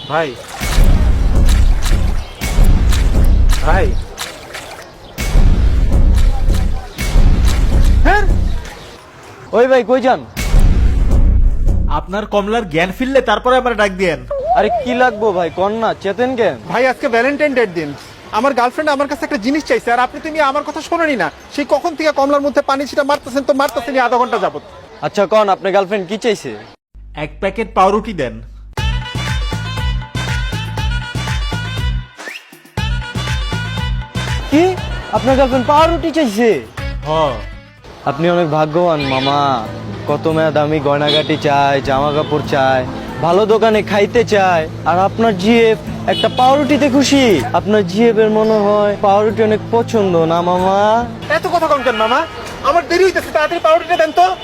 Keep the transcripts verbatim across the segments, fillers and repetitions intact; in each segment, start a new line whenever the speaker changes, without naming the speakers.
ভাই ভাই
হ্যাঁ
ওই ভাই কই যান?
আপনার কমলার জ্ঞান ফিরলে তারপরে আমার ডাক দিয়েন।
আরে কি লাগবো ভাই, কন না, চেতেন কেন?
ভাই আজকে ভ্যালেন্টাইন ডের দিন। আমার গার্লফ্রেন্ড আমার কাছে একটা জিনিস চাইছে, আর আপনি তুমি আমার কথা শোনেনি না। সেই কখন থেকে কমলার মধ্যে পানি ছিটা মারতেছেন তো মারতেছেন আধা ঘন্টা যাবত।
আচ্ছা কন, আপনার গার্লফ্রেন্ড কি চাইছে?
এক প্যাকেট পাউরুটি দেন।
কি, আপনার গার্লফ্রেন্ড পাউরুটি চাইছে?
হ
আপনি অনেক ভাগ্যবান মামা। কত মেয়া দামি গয়নাগাটি চায়, জামা কাপড় চায়, ভালো দোকানে খাইতে চায়, আর আপনার জিএফ একটা পাউরুটিতে খুশি। আপনার জিএফ এর মনে হয় পাউরুটি অনেক পছন্দ না মামা?
এত কথা কম কেন মামা? আমার দেরি হইতেছে, তাড়াতাড়ি পাউরুটিটা দেন তো।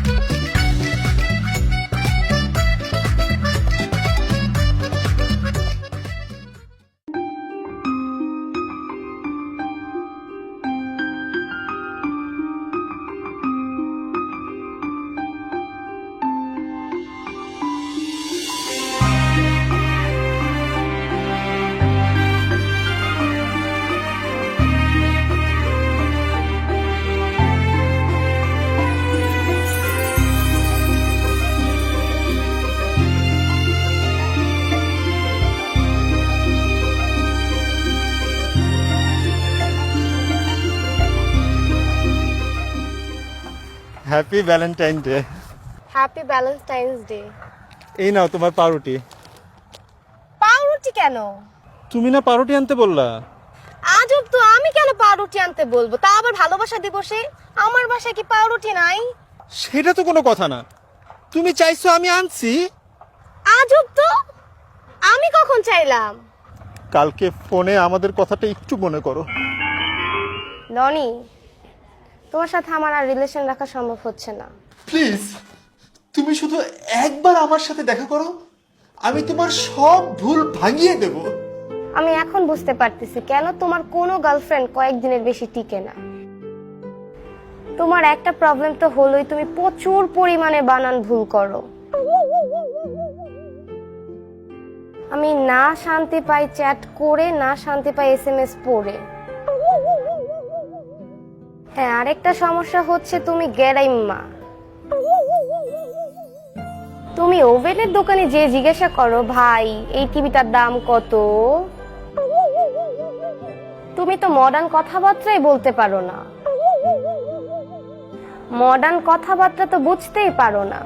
Happy valentine day.
Happy valentine's day.
এই নাও তোমার পাউরুটি।
পাউরুটি কেন?
তুমি না পাউরুটি আনতে বললা?
আজব তো, আমি কেন পাউরুটি আনতে বলবো? তা আবার ভালোবাসা দিবসে? আমার বাসায় কি পাউরুটি নাই?
সেটা তো কোনো কথা না, তুমি চাইছো আমি আনছি।
আজব তো, আমি কখন চাইলাম?
কালকে ফোনে আমাদের কথাটা একটু মনে করো।
ননি, তোমার সাথে আমার আর রিলেশন রাখা সম্ভব হচ্ছে না।
প্লিজ তুমি শুধু একবার আমার সাথে দেখা করো, আমি তোমার সব ভুল ভাঙিয়ে দেব।
আমি এখন বুঝতে পারতেছি কেন তোমার কোনো গার্লফ্রেন্ড কয়েকদিনের বেশি টিকে না। তোমার একটা প্রবলেম তো হলোই, তুমি প্রচুর পরিমাণে বানান ভুল করো। আমি না শান্তি পাই চ্যাট করে, না শান্তি পাই এসএমএস পড়ে। হ্যাঁ, আরেকটা সমস্যা হচ্ছে তুমি গেরাইম্মা। তুমি ওভেনের দোকানে যে জিজ্ঞাসা করো, ভাই এই টিভিটার দাম কত, তুমি তো মডার্ন কথাবার্তাই বলতে পারো না। মডার্ন কথাবার্তা তো বুঝতেই পারো না।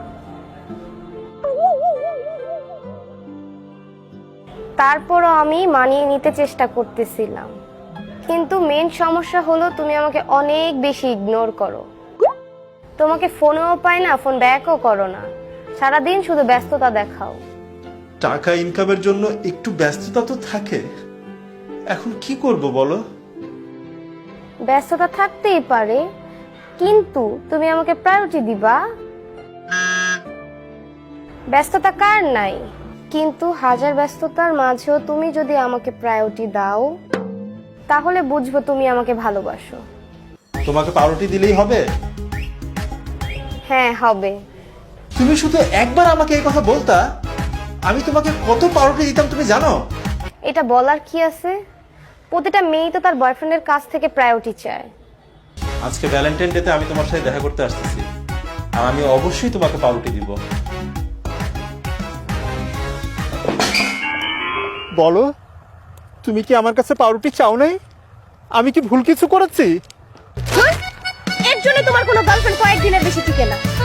তারপরও আমি মানিয়ে নিতে চেষ্টা করতেছিলাম, কিন্তু মেন সমস্যা হলো তুমি আমাকে অনেক বেশি ইগনোর করো। তোমাকে ফোনেও পাই না, ফোন ব্যাকও করো না, সারাদিন শুধু ব্যস্ততা দেখাও।
টাকা ইনকামের জন্য একটু ব্যস্ততা তো থাকে, এখন কি করব বলো?
ব্যস্ততা থাকতেই পারে, কিন্তু তুমি আমাকে প্রায়োরিটি দিবা। ব্যস্ততা কার নাই, কিন্তু হাজার ব্যস্ততার মাঝেও তুমি যদি আমাকে প্রায়োরিটি দাও, তাহলে বুঝবো তুমি আমাকে ভালোবাসো।
তোমাকে পাউরুটি দিলেই হবে?
হ্যাঁ হবে।
তুমি শুধু একবার আমাকে এই কথা বলতা, আমি তোমাকে কত পাউরুটি দিতাম তুমি জানো?
এটা বলার কি আছে? প্রতিটা মেয়েই তো তার বয়ফ্রেন্ডের কাছ থেকে প্রায়োরিটি চায়।
আজকে ভ্যালেন্টাইন ডেতে আমি তোমার সাথে দেখা করতে আসতেছি, আর আমি অবশ্যই তোমাকে পাউরুটি দিব। বলো, তুমি কি আমার কাছে পাউরুটি চাও নাই? আমি কি ভুল কিছু করেছি?
এর জন্য তোমার কোনো গার্লফ্রেন্ড কয়েকদিনের বেশি টিকে না।